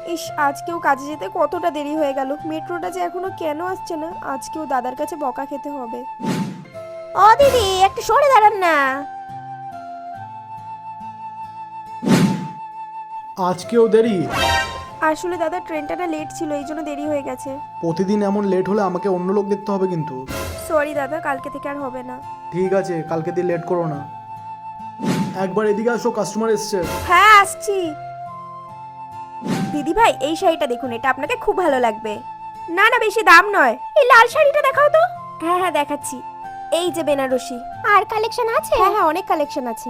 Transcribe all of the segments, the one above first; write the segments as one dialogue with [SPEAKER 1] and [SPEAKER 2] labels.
[SPEAKER 1] ইস, আজকেও কাজে যেতে কতটা দেরি হয়ে গেল। মেট্রোটা যে এখনো কেন আসছে না, আজকেও দাদার কাছে বকা খেতে হবে।
[SPEAKER 2] ও দিদি, একটু সরে দাঁড়ান না।
[SPEAKER 3] আজকেও দেরি?
[SPEAKER 1] আসলে দাদা ট্রেনটা না লেট ছিল, এই জন্য দেরি হয়ে গেছে।
[SPEAKER 3] প্রতিদিন এমন লেট হলে আমাকে অন্য লোক দেখতে হবে কিন্তু।
[SPEAKER 1] সরি দাদা, কালকে থেকে আর হবে না।
[SPEAKER 3] ঠিক আছে, কালকে দিয়ে লেট করো না। একবার এদিকে আসো, কাস্টমার এসছে।
[SPEAKER 1] হ্যাঁ, আসছি। দিদি ভাই, এই শাড়িটা দেখুন, এটা আপনাকে খুব ভালো লাগবে। না না, বেশি দাম নয়। এই লাল শাড়িটা দেখাও তো। হ্যাঁ হ্যাঁ, দেখাচ্ছি। এই যে বেনারসি।
[SPEAKER 2] আর কালেকশন আছে?
[SPEAKER 1] হ্যাঁ হ্যাঁ, অনেক কালেকশন আছে।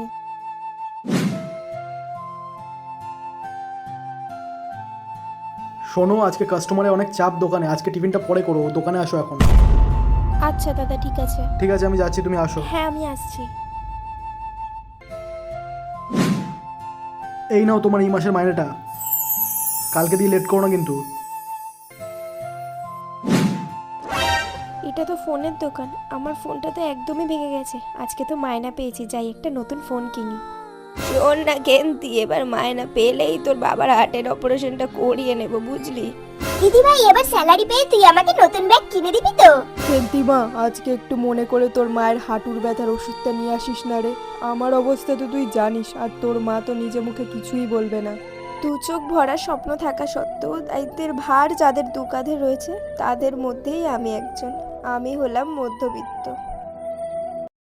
[SPEAKER 3] শোনো, আজকে কাস্টমারে অনেক চাপ দোকানে, আজকে টিফিনটা পরে করো, দোকানে আসো এখন।
[SPEAKER 1] আচ্ছা দাদা, ঠিক আছে।
[SPEAKER 3] ঠিক আছে, আমি যাচ্ছি, তুমি আসো।
[SPEAKER 1] হ্যাঁ, আমি আসছি।
[SPEAKER 3] এই নাও তোমার এই মাসের মাইনেটা, কালকে দিয়ে লেট করো না কিন্তু।
[SPEAKER 1] এটা তো ফোনের দোকান, আমার ফোনটা তো একদমই ভেঙে গেছে। আজকে তো মায়না পেয়েছি, যাই একটা নতুন ফোন কিনি। শোন না কেন্তি, এবার মায়না পেলেই তোর বাবার হার্টের অপারেশনটা করিয়ে নেব, বুঝলি?
[SPEAKER 2] দিদি ভাই, এবার স্যালারি পেয়ে তুই আমাকে নতুন ব্যাগ কিনে দিবি তো?
[SPEAKER 1] কেন্তি মা, আজকে একটু মনে করে তোর মায়ের হাঁটুর ব্যথার ওষুধটা নিয়ে আসিস না রে। আমার অবস্থা তো তুই জানিস, আর তোর মা তো নিজে মুখে কিছুই বলবে না। দু চোখ ভরা স্বপ্ন থাকা সত্ত্বেও দায়িত্বের ভার যাদের দু কাঁধে রয়েছে, তাদের মধ্যেই আমি একজন। আমি হলাম মধ্যবিত্ত।